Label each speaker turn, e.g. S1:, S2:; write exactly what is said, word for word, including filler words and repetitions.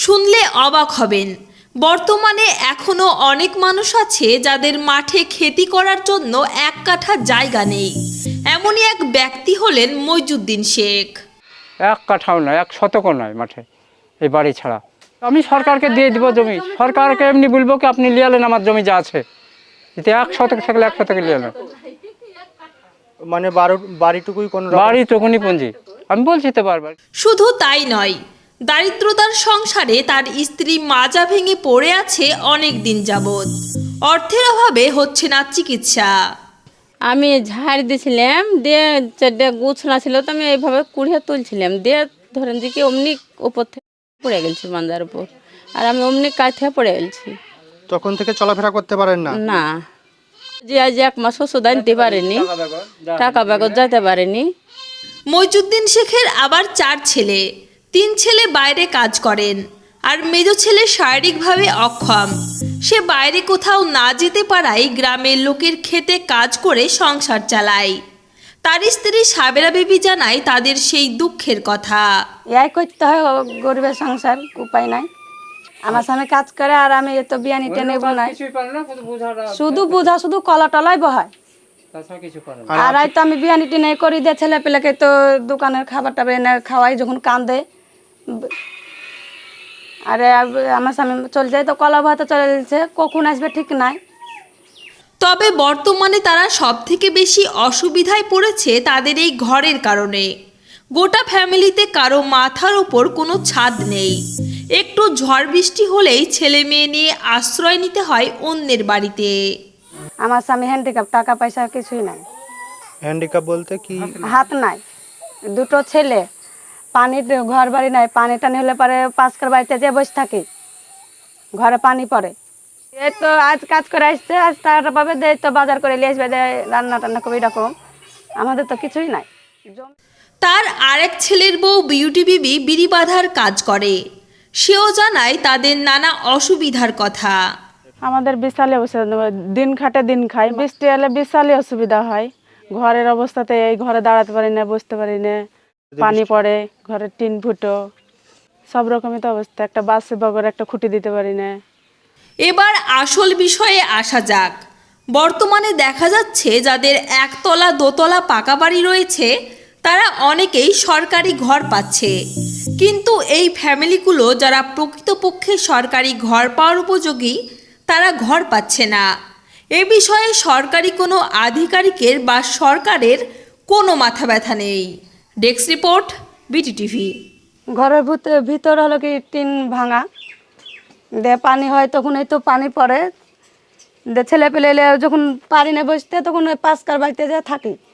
S1: শুনলে অবাক হবেন, বর্তমানে এখনো অনেক মানুষ আছে যাদের মাঠে খেতি করার জন্য এক কাঠা জায়গা নেই। এমনই এক ব্যক্তি হলেন মইজুদ্দিন শেখ।
S2: এক কাঠাও নয়, এক শতকও নয় মাঠে, এই বাড়ি ছাড়া। আমি সরকারকে দিয়ে দিব জমি, সরকারকে এমনি বলবো কি আপনি লিয়ালেন আমার জমি যা আছে, এতে এক শতক থাকলে এক শতকে লিয়ালেন।
S3: মানে বাড়িটুকুই কোন
S2: বাড়িটুকুনি পুঁজি, আমি বলছি তো বারবার।
S1: শুধু তাই নয়, দারিদ্রতার সংসারে তার স্ত্রী মাজা ভেঙে পড়ে আছে অনেক দিন যাবৎ। অর্থের অভাবে হচ্ছে না চিকিৎসা।
S4: আমি ঝাড় দিয়েছিলাম, দিয়ে চারটে গুছনা ছিল, তো আমি এইভাবে কুড়িয়ে তুলছিলাম, দিয়ে ধরেন যে কি অমনি উপর থেকে পড়ে গেছি মান্দার উপর, আর আমি অমনি কাজ থেকে পড়ে গেছি।
S3: তখন থেকে চলাফেরা করতে পারেন না?
S4: না, যে আজ এক মাস ওষুধ আনতে পারেনি, টাকা ব্যাগত যেতে পারেনি।
S1: মইজুদ্দিন শেখের আবার চার ছেলে, তিন ছেলে বাইরে কাজ করেন, আর মেজ ছেলে শারীরিকভাবে অক্ষম। সে বাইরে কোথাও না যেতে পারায় গ্রামের লোকের খেতে কাজ করে সংসার চালায়। তার স্ত্রী সাবেরা বেবি জানায় তাদের সেই দুঃখের কথা।
S5: এই করতে হয়, গরিবের সংসার, উপায় নাই। আমার স্বামী কাজ করে আর আমি এত বিয়ানি টেনে বোনাই, শুধু বুঝা শুধু কলা টলাই বহায়। আর তো আমি বিয়ানি টেনে করি দিয়ে ছেলে পেলেকে তো দোকানের খাবার টাবার এনে খাওয়াই যখন কান্দে। আরে আমার স্বামী চলে যায় তো কলা ভাতে চলে যাচ্ছে, কখন আসবে ঠিক নাই।
S1: তবে বর্তমানে তারা সব থেকে বেশি অসুবিধায় পড়েছে তাদের এই ঘরের কারণে। গোটা ফ্যামিলিতে কারো মাথার উপর কোনো ছাদ নেই। একটু ঝড় বৃষ্টি হলেই ছেলে মেয়ে নিয়ে আশ্রয় নিতে হয় অন্যের বাড়িতে।
S5: আমার স্বামী হ্যান্ডিক্যাপ, টাকা পয়সা কিছুই নাই।
S3: হ্যান্ডিক্যাপ বলতে কি?
S5: হাত নাই, দুটো ছেলে, পানি ঘর বাড়ি নাই, পানি টানি হলে পরে পাঁচকার বাড়িতে যে বসে থাকি, ঘরে পানি পড়ে। এই তো আজ কাজ করে আসছে, আজ টাকাটা পাবে, দেয় তো বাজার করে নিয়ে আসবে, দেয় রান্না টান্না করবে, এরকম। আমাদের তো কিছুই নাই।
S1: তার আরেক ছেলের বউ বিউটি বিবি বিড়ি বাঁধার কাজ করে। সেও জানায় তাদের নানা অসুবিধার কথা।
S5: আমাদের বিশালে দিন খাটে দিন খাই, বৃষ্টি এলে বিশালে অসুবিধা হয়। ঘরের অবস্থাতে এই ঘরে দাঁড়াতে পারি না, বসতে পারি না, পানি পড়ে, ঘরের টিন ফুটো, সব রকমই তো অবস্থা। একটা বাসে বগর একটা খুঁটি দিতে পারি না।
S1: এবার আসল বিষয়ে আসা যাক। বর্তমানে দেখা যাচ্ছে যাদের একতলা দোতলা পাকা বাড়ি রয়েছে তারা অনেকেই সরকারি ঘর পাচ্ছে, কিন্তু এই ফ্যামিলিগুলো যারা প্রকৃতপক্ষে সরকারি ঘর পাওয়ার উপযোগী তারা ঘর পাচ্ছে না। এ বিষয়ে সরকারি কোনো আধিকারিকের বা সরকারের কোনো মাথা ব্যথা নেই। Desk report, BT TV.
S5: ঘরের ভিতর হলো কি টিন ভাঙা, দে পানি হয় তখন এই তো পানি পড়ে, দে ছেলে পেলে যখন পারি না বসতে তখন ওই পাঁচকার বাড়িতে যা থাকি।